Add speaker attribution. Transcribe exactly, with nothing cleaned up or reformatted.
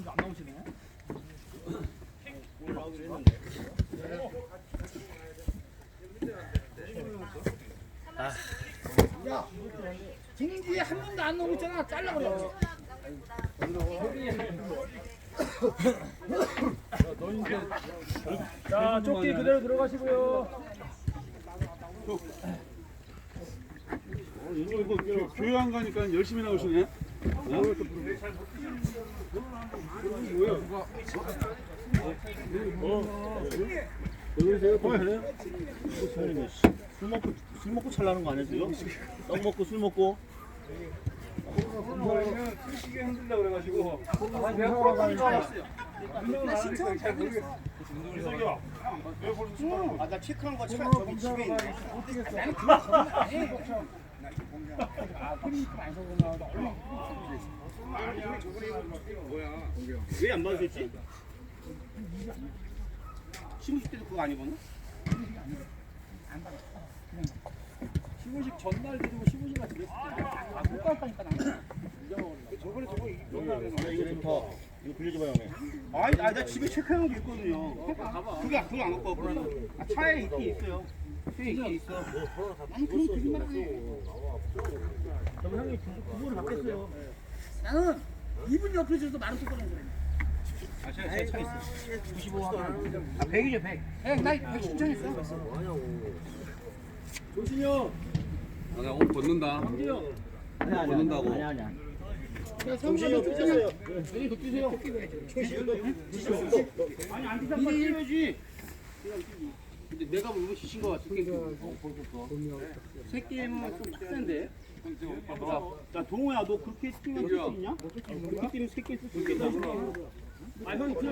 Speaker 1: 안 나오시네. 야, 진지에 한 번도 안 나오고 있잖아. 잘라 그래. 자, 조끼 그대로 들어가시고요.
Speaker 2: 어, 이거 이거 교- 교회안 가니까 열심히 나오시네. 어?
Speaker 3: 왜 그러세요? 또 그래요? 술 먹고 술 먹고 잘나는 거 아니세요? 떡 먹고 술 먹고.
Speaker 2: 저희는 크게 흔들려 그래가지고 내가 프로필 줄 알았어요.
Speaker 1: 나 신청 잘 모르겠어.
Speaker 2: 이석이야. 왜 벌써 출발한 거야?
Speaker 1: 아, 나 체크한 거 차, 저기 집에 있는 거. 나는 그거 전혀 안 해. 아, 크리니까 안 써보나. 나 얼마나
Speaker 3: 왜 안 받으셨지?
Speaker 1: 시무식 때도 그거 안 입었나? 안 받았어. 그냥 시무식 전날 드리고 시무식 같은 거 아, 못 갔다니까 나는. 저번에 저거
Speaker 3: 야, 이거 좀 더. 이거 빌려줘봐 형네.
Speaker 1: 아니, 아니, 나 집에 체크한 게 있거든요. 그게 그거 안 갖고 왔거든요. 아, 차에 있긴 있어요. 차에 있긴 있어. 나는 그런 거짓말 안 해.
Speaker 3: 그럼 형님 구보를 받겠어요.
Speaker 1: 나는 이분 옆에 있어서 말을 똑바로 해.
Speaker 3: 아 제가 제 차 있어. 구십오 하면.
Speaker 1: 아, 백이죠, 백. 백, 나 백 신청했어.
Speaker 3: 조신이 형.
Speaker 4: 아, 나 오늘 벗는다.
Speaker 3: 아니 아니.
Speaker 4: 벗는다고.
Speaker 3: 아니 아니. 아니.
Speaker 1: 정신이 형 뛰세요.
Speaker 3: 여기 더 뛰세요.
Speaker 1: 아니, 안 뛰잖아. 뛰어야지. 근데 내가 뭐 이거 지신 거 같은 게 새끼는 좀 빡센데. 자, 동호야, 너 그렇게 뛰면 쓸 수 있냐? 그렇게 뛰면 새끼 쓸 수 있겠다. 아, 형이